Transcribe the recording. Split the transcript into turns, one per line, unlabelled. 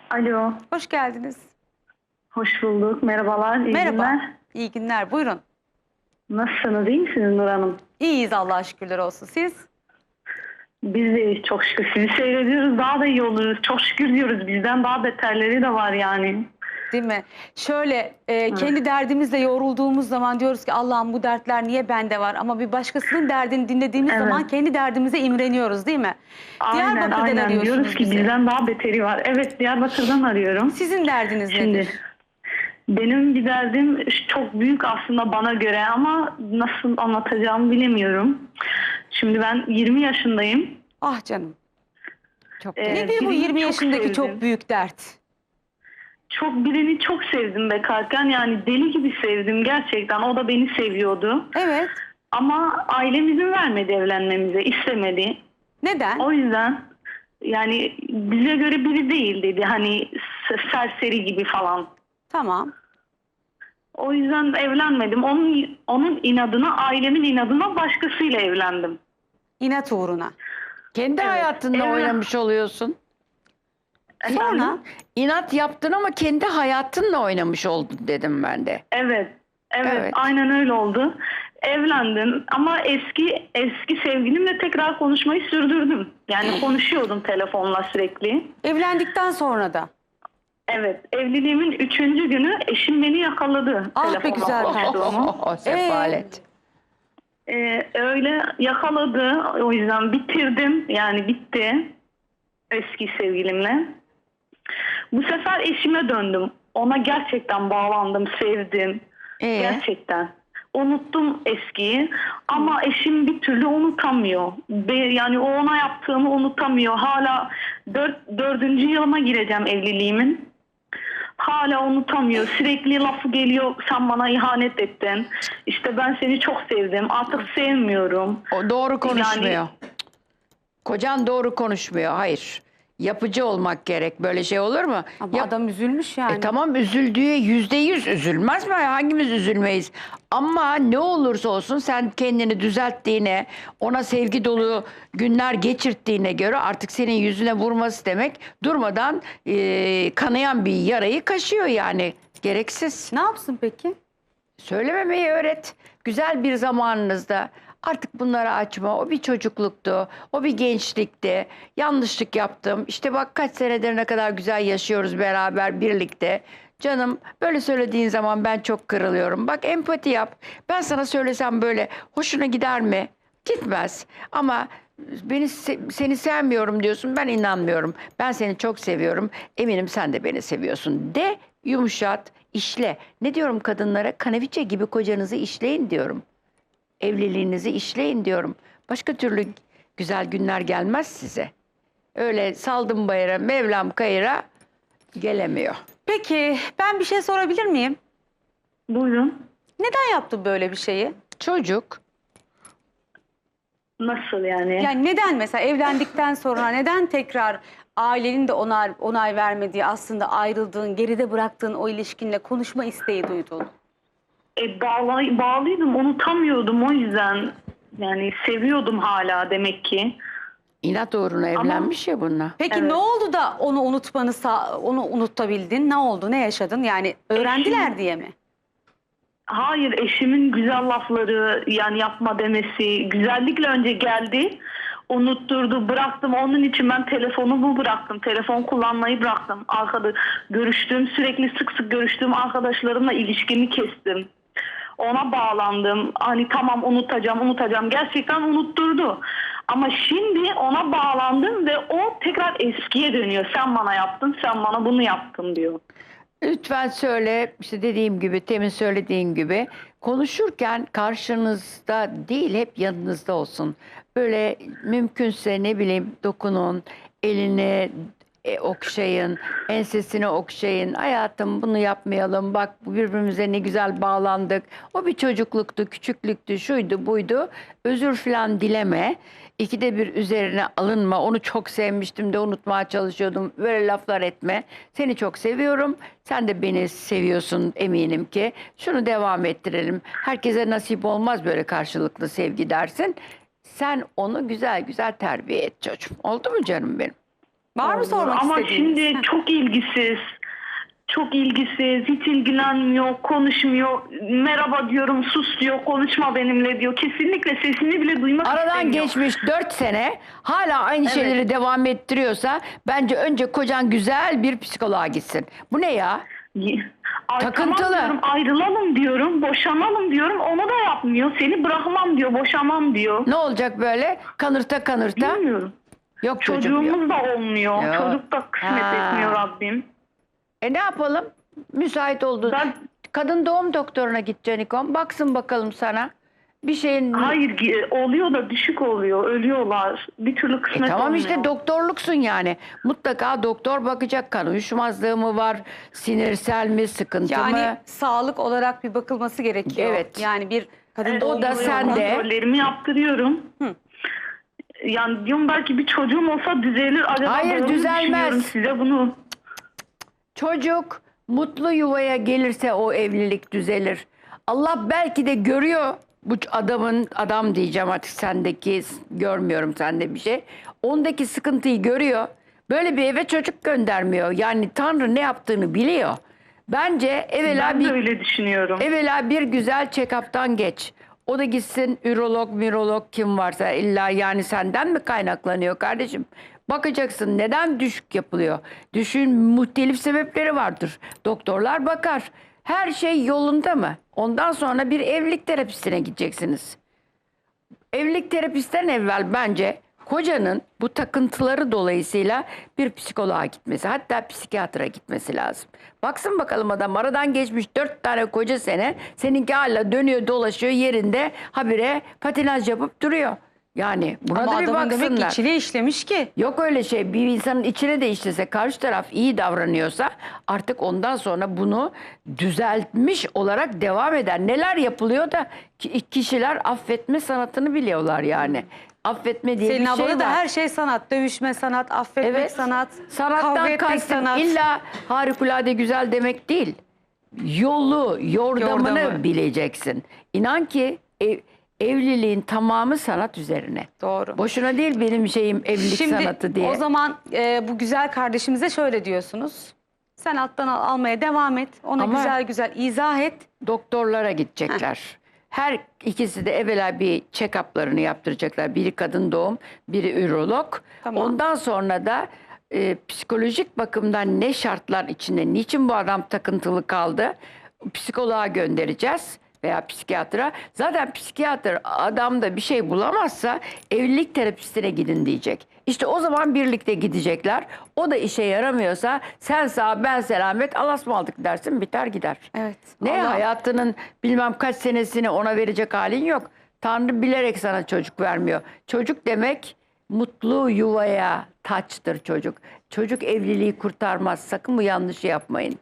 Alo,
Hoş geldiniz.
hoş bulduk. Merhabalar, iyi
Merhaba.
günler.
İyi günler. Buyurun.
Nasılsınız, iyi misiniz Nur Hanım?
İyiyiz Allah'a şükürler olsun. Siz?
Biz de iyiyiz, çok şükür. Sizi seyrediyoruz, daha da iyi oluyoruz. Çok şükür diyoruz, bizden daha beterleri de var yani.
Değil mi? Şöyle
Evet,
kendi derdimizle yorulduğumuz zaman diyoruz ki Allah'ım bu dertler niye bende var? Ama bir başkasının derdini dinlediğimiz
evet.
zaman kendi derdimize imreniyoruz değil mi?
Aynen,
Diyarbakır'dan
aynen. Diyoruz
arıyorsunuz
ki
bizi.
bizden daha beteri var. Evet, Diyarbakır'dan arıyorum.
Sizin derdiniz
Şimdi,
nedir?
benim bir derdim çok büyük aslında bana göre ama nasıl anlatacağımı bilemiyorum. Şimdi ben 20 yaşındayım.
Ah canım. Nedir bu
Birini
20
çok
yaşındaki çok
sevdim.
büyük dert?
Birini çok sevdim bekarken, yani deli gibi sevdim gerçekten, o da beni seviyordu
Evet.
ama ailem izin vermedi, evlenmemize istemedi.
Neden?
O yüzden yani bize göre biri değil dedi, hani serseri gibi falan.
Tamam.
O yüzden evlenmedim, onun inadına, ailemin inadına başkasıyla evlendim.
İnat uğruna.
Kendi
Evet.
hayatınla oynamış oluyorsun.
Sonra?
İnat yaptın ama kendi hayatınla oynamış oldun dedim ben de.
Evet, evet,
Evet.
aynen öyle oldu. Evlendim ama eski sevgilimle tekrar konuşmayı sürdürdüm. Yani konuşuyordum telefonla sürekli.
Evlendikten sonra da.
Evet, evliliğimin 3. günü eşim beni yakaladı
Ah be
telefonla
güzel
konuştuğumu.
Sefalet.
Öyle yakaladı, o yüzden bitirdim, yani bitti eski sevgilimle. Bu sefer eşime döndüm. Ona gerçekten bağlandım, sevdim. Gerçekten. Unuttum eskiyi ama eşim bir türlü unutamıyor. Yani o ona yaptığımı unutamıyor. Hala dördüncü yılıma gireceğim evliliğimin. Hala unutamıyor. Sürekli lafı geliyor. Sen bana ihanet ettin. İşte ben seni çok sevdim. Artık sevmiyorum.
O doğru konuşmuyor.
Yani
Kocan doğru konuşmuyor. Hayır. Yapıcı olmak gerek. Böyle şey olur mu?
Ama adam üzülmüş yani.
Tamam, üzüldüğü %100 üzülmez mi? Hangimiz üzülmeyiz? Ama ne olursa olsun sen kendini düzelttiğine, ona sevgi dolu günler geçirttiğine göre artık senin yüzüne vurması demek durmadan kanayan bir yarayı kaşıyor yani. Gereksiz.
Ne yapsın peki?
Söylememeyi öğret. Güzel bir zamanınızda artık bunları açma. O bir çocukluktu. O bir gençlikti. Yanlışlık yaptım. İşte bak kaç senedir ne kadar güzel yaşıyoruz beraber birlikte. Canım böyle söylediğin zaman ben çok kırılıyorum. Bak empati yap. Ben sana söylesem böyle hoşuna gider mi? Gitmez. Ama seni sevmiyorum diyorsun. Ben inanmıyorum. Ben seni çok seviyorum. Eminim sen de beni seviyorsun. De, yumuşat, işle. Ne diyorum kadınlara? Kaneviçe gibi kocanızı işleyin diyorum. Evliliğinizi işleyin diyorum. Başka türlü güzel günler gelmez size. Öyle saldım bayıra, Mevlam kayıra gelemiyor.
Peki ben bir şey sorabilir miyim?
buyurun.
Neden yaptı böyle bir şeyi?
Çocuk
Nasıl yani?
Yani neden mesela evlendikten sonra neden tekrar ailenin de onay vermediği aslında ayrıldığın, geride bıraktığın o ilişkinle konuşma isteği duydun?
Bağlıydım, unutamıyordum, o yüzden. Yani seviyordum hala demek ki.
inat uğruna evlenmiş ya bununla.
Peki
Evet.
ne oldu da onu onu unutabildin? Ne oldu? Ne yaşadın? Yani öğrendiler
Eşim-
diye mi?
Hayır, eşimin güzel lafları, yani yapma demesi, güzellikle önce geldi. Unutturdu, bıraktım. Onun için ben telefonumu bıraktım. Telefon kullanmayı bıraktım. Sürekli sık sık görüştüğüm arkadaşlarımla ilişkimi kestim. Ona bağlandım. Hani tamam, unutacağım. Gerçekten unutturdu. Ama şimdi ona bağlandım ve o tekrar eskiye dönüyor. Sen bana yaptın, sen bana bunu yaptın diyor.
Lütfen söyle, işte dediğim gibi, temin söylediğin gibi konuşurken karşınızda değil hep yanınızda olsun. Böyle mümkünse ne bileyim dokunun, elini okşayın, ensesini okşayın. Hayatım bunu yapmayalım, bak birbirimize ne güzel bağlandık. O bir çocukluktu, küçüklüktü, şuydu buydu. Özür falan dileme. İkide bir üzerine alınma. Onu çok sevmiştim de unutmaya çalışıyordum. Böyle laflar etme. Seni çok seviyorum. Sen de beni seviyorsun eminim ki. Şunu devam ettirelim. Herkese nasip olmaz böyle karşılıklı sevgi dersin. Sen onu güzel güzel terbiye et çocuğum. Oldu mu canım benim?
Var mı
oldu.
sormak
Ama
istediğiniz?
şimdi
Heh.
çok ilgisiz. Çok ilgisiz, hiç ilgilenmiyor, konuşmuyor. Merhaba diyorum, sus diyor, konuşma benimle diyor. Kesinlikle sesini bile duymak
Aradan
istemiyor.
geçmiş 4 sene hala aynı şeyleri devam ettiriyorsa bence önce kocan güzel bir psikoloğa gitsin. Bu ne ya?
Ay,
Takıntılı.
tamam diyorum, ayrılalım diyorum, boşanalım diyorum. Onu da yapmıyor. Seni bırakmam diyor, boşamam diyor.
Ne olacak böyle? Kanırta kanırta.
Bilmiyorum.
Yok çocuğum yok.
Çocuğumuz da olmuyor.
Yok.
Çocuk da kısmet
Ha.
etmiyor Rabbim.
Ne yapalım? Müsait oldu.
Ben
Kadın doğum doktoruna git Canikom. Baksın bakalım sana. Bir şeyin...
hayır oluyor da düşük oluyor. Ölüyorlar. Bir türlü kısmet
Tamam
olmuyor.
işte doktorluksun yani. Mutlaka doktor bakacak, kan uyuşmazlığı mı var, sinirsel mi, sıkıntı
Yani
mı?
sağlık olarak bir bakılması gerekiyor.
Evet.
Yani bir kadın
Evet,
doğum
o da
oluyor.
sende.
Kontrollerimi yaptırıyorum. Yani diyorum belki bir çocuğum olsa düzelir. Acaba
Hayır,
doğru mu
düzelmez.
düşünüyorum size bunu?
Çocuk mutlu yuvaya gelirse o evlilik düzelir. Allah belki de görüyor bu adam diyeceğim artık sendeki, görmüyorum sende bir şey. Ondaki sıkıntıyı görüyor. Böyle bir eve çocuk göndermiyor. Yani Tanrı ne yaptığını biliyor. Bence
Ben de öyle düşünüyorum.
evvela bir güzel check-up'tan geç. O da gitsin ürolog, mirolog kim varsa illa yani senden mi kaynaklanıyor kardeşim? Bakacaksın neden düşük yapılıyor? Düşün muhtelif sebepleri vardır. Doktorlar bakar. Her şey yolunda mı? Ondan sonra bir evlilik terapistine gideceksiniz. Evlilik terapistten evvel bence kocanın bu takıntıları dolayısıyla bir psikoloğa gitmesi, hatta psikiyatra gitmesi lazım. Baksın bakalım adam aradan geçmiş 4 tane koca sene, seninki hala dönüyor dolaşıyor yerinde habire patinaj yapıp duruyor. Yani buna
Ama
da bir
adamın demek ki
baksınlar.
içine işlemiş ki.
Yok öyle şey. Bir insanın içine de işlese, karşı taraf iyi davranıyorsa artık ondan sonra bunu düzeltmiş olarak devam eder. Neler yapılıyor da kişiler affetme sanatını biliyorlar yani. Affetme diye
Selin
bir şey
ablada
var.
da her şey sanat. Dövüşme sanat, affetmek
Evet.
sanat, kavga
Sanattan
etmek
kastım
sanat.
illa harikulade güzel demek değil. Yordamını
Yordamı.
bileceksin. İnan ki evliliğin tamamı sanat üzerine.
Doğru.
Boşuna değil benim şeyim evlilik
Şimdi
sanatı diye.
o zaman bu güzel kardeşimize şöyle diyorsunuz. Sen alttan almaya devam et. Ona
Ama-
güzel güzel izah et.
Doktorlara gidecekler. Her ikisi de evvela bir check-up'larını yaptıracaklar. Biri kadın doğum, biri ürolog.
Tamam.
Ondan sonra da psikolojik bakımdan ne şartlar içinde, niçin bu adam takıntılı kaldı? Psikoloğa göndereceğiz veya psikiyatra. Zaten psikiyatr adamda bir şey bulamazsa evlilik terapistine gidin diyecek. İşte o zaman birlikte gidecekler. O da işe yaramıyorsa sen sağ ben selamet alasmaldık dersin biter gider.
Evet.
Ne
Allah-
hayatının bilmem kaç senesini ona verecek halin yok. Tanrı bilerek sana çocuk vermiyor. Çocuk demek mutlu yuvaya taçtır çocuk. Çocuk evliliği kurtarmaz. Sakın bu yanlışı yapmayın.